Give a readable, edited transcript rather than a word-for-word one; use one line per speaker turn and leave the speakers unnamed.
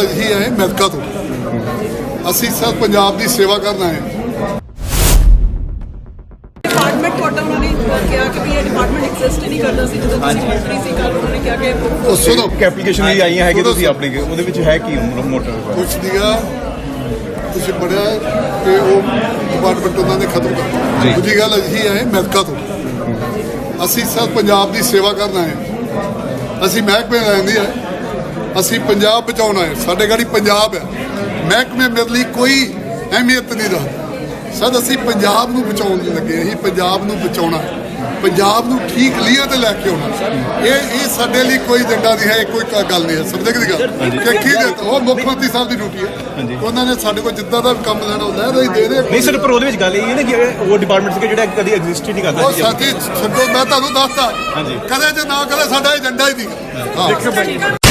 ਅਸੀਂ ਆਏ ਅਮਰੀਕਾ ਤੋਂ। ਅਸੀਂ ਸਿਰਫ ਪੰਜਾਬ ਦੀ ਸੇਵਾ ਕਰਨ ਆਏ।
ਡਿਪਾਰਟਮੈਂਟ ਤੁਹਾਡਾ ਉਹਨਾਂ ਨੇ ਕਿਹਾ ਕਿ ਵੀ ਇਹ ਡਿਪਾਰਟਮੈਂਟ ਐਗਜ਼ਿਸਟ ਨਹੀਂ ਕਰਦਾ ਸੀ ਜਦੋਂ ਤੁਸੀਂ ਮੰਤਰੀ ਸੀ ਕੱਲ੍ਹ ਉਹਨਾਂ ਨੇ ਕਿਹਾ ਕਿ
ਉਸ ਤੋਂ
ਐਪਲੀਕੇਸ਼ਨ ਵੀ ਆਈਆਂ ਹੈਗੇ ਤੁਸੀਂ ਆਪਣੇ ਉਹਦੇ ਵਿੱਚ ਹੈ ਕੀ ਮੋਟਰ
ਕੁਛ ਦੀਗਾ ਤੁਸੀਂ ਪੜਿਆ ਕਿ ਉਹ ਡਿਪਾਰਟਮੈਂਟ ਉਹਨਾਂ ਨੇ ਖਤਮ ਕਰਤਾ। ਦੂਜੀ ਗੱਲ ਅਸੀਂ ਆਏ ਅਮਰੀਕਾ ਤੋਂ। ਅਸੀਂ ਸਿਰਫ ਪੰਜਾਬ ਦੀ ਸੇਵਾ ਕਰਨ ਆਏ। ਅਸੀਂ ਮਹਿਕਮੇ ਲੈਂਦੇ ਆ, ਅਸੀਂ ਪੰਜਾਬ ਬਚਾਉਣਾ ਹੈ। ਸਾਡੇ ਗਾੜੀ ਪੰਜਾਬ ਹੈ। ਮਹਿਕਮੇ ਮੇਰੇ ਲਈ ਕੋਈ ਅਹਿਮੀਅਤ ਨਹੀਂ ਰੱਖਦਾ। ਸਰ ਅਸੀਂ ਪੰਜਾਬ ਨੂੰ ਬਚਾਉਣ ਲੱਗੇ। ਅਸੀਂ ਪੰਜਾਬ ਨੂੰ ਬਚਾਉਣਾ, ਪੰਜਾਬ ਨੂੰ ਠੀਕ ਲੀਹਾਂ ਤੇ ਲੈ ਕੇ ਆਉਣਾ। ਇਹ ਸਾਡੇ ਲਈ ਕੋਈ ਏਜੰਡਾ ਨਹੀਂ ਹੈ, ਕੋਈ ਗੱਲ ਨਹੀਂ ਹੈ। ਸਮਝੇ ਕਿ ਗੱਲ ਕਿ ਕੀ ਉਹ ਮੁੱਖ ਮੰਤਰੀ ਸਾਹਿਬ ਦੀ ਡਿਊਟੀ ਹੈ। ਉਹਨਾਂ ਨੇ ਸਾਡੇ ਕੋਲ ਜਿੱਦਾਂ ਦਾ ਕੰਮ ਲੈਣਾ ਹੁੰਦਾ ਹੈ ਦੇ ਦੇ।
ਨਹੀਂ ਸਰ, ਪਰ ਉਹਦੇ ਵਿੱਚ ਗੱਲ ਇਹ ਹੈ ਨਾ ਕਿ ਉਹ ਡਿਪਾਰਟਮੈਂਟ ਸੀ ਜਿਹੜਾ ਕਦੀ ਐਗਜ਼ਿਸਟ ਹੀ ਨਹੀਂ ਕਰਦਾ।
ਉਹ ਸਾਥੀ ਛੱਡੋ, ਮੈਂ ਤੁਹਾਨੂੰ ਦੱਸਦਾ ਕਦੇ ਜੇ ਨਾ ਕਦੇ ਸਾਡਾ ਏਜੰਡਾ ਹੀ ਨਹੀਂ।